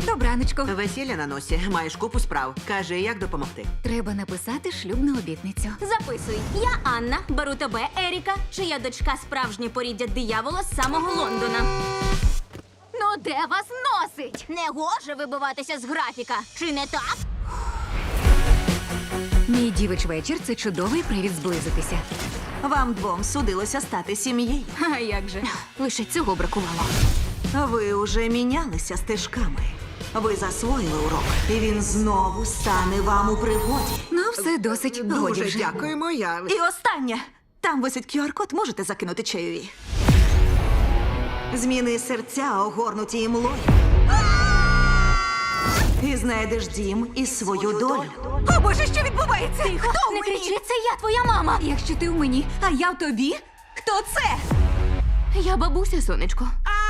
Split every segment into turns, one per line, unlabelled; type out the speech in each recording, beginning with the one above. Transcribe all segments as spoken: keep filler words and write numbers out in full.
Добраночко.
Весілля на носі, маєш купу справ. Кажи, як допомогти.
Треба написати шлюбну обітницю.
Записуй. Я Анна, беру тебе, Еріка, чия дочка справжнє поріддя диявола з самого Лондона.
Ну де вас носить?
Не гоже вибиватися з графіка. Чи не так?
Мій дівич вечір – це чудовий привід зблизитися.
Вам двом судилося стати сім'єю.
А як же? Лише цього бракувало.
Ви уже мінялися стежками. Ви засвоїли урок, і він знову стане вам у пригоді.
Ну, все досить. Годі
Дуже
вже.
дякуємо, я...
І останнє. Там висить кю ар код, можете закинути чайові. Зміни серця, огорнуті імлою. І знайдеш дім і свою долю. О, Боже, що відбувається? Хто
Не
мені?
кричи, це я твоя мама.
Якщо ти в мені,
А я в тобі? Хто це?
я бабуся, сонечко.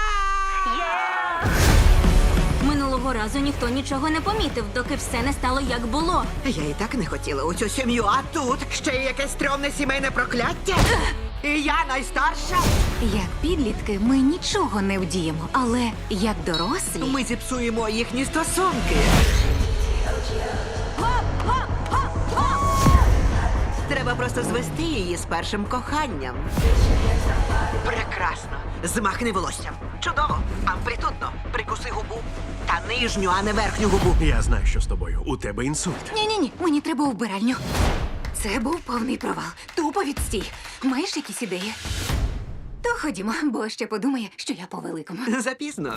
Минулого разу ніхто нічого не помітив, доки все не стало як було.
Я і так не хотіла у цю сім'ю, а тут ще й якесь стрьомне сімейне прокляття. І я найстарша.
Як підлітки ми нічого не вдіємо, але як дорослі...
Ми зіпсуємо їхні стосунки. Треба просто звести її з першим коханням. Прекрасно. Змахни волоссям. Чудово. Амплітудно. Прикуси губу. Та нижню, а не верхню губу.
Я знаю, що з тобою. У тебе інсульт.
Ні-ні-ні, мені треба у вбиральню. Це був повний провал. Тупо відстій. Маєш якісь ідеї? То ходімо, бо ще подумає, що я по-великому.
Запізно.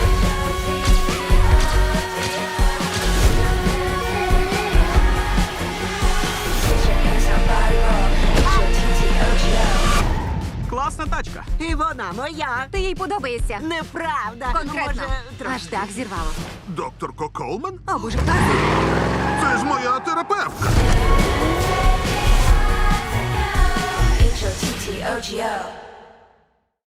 Класна тачка.
І вона моя.
Ти їй подобаєшся?
Неправда.
Конкретно.
Може, трошки.
Аж так зірвало.
Докторко Колман?
О, боже, хто це?
Це ж моя терапевтка.
H O T T O G O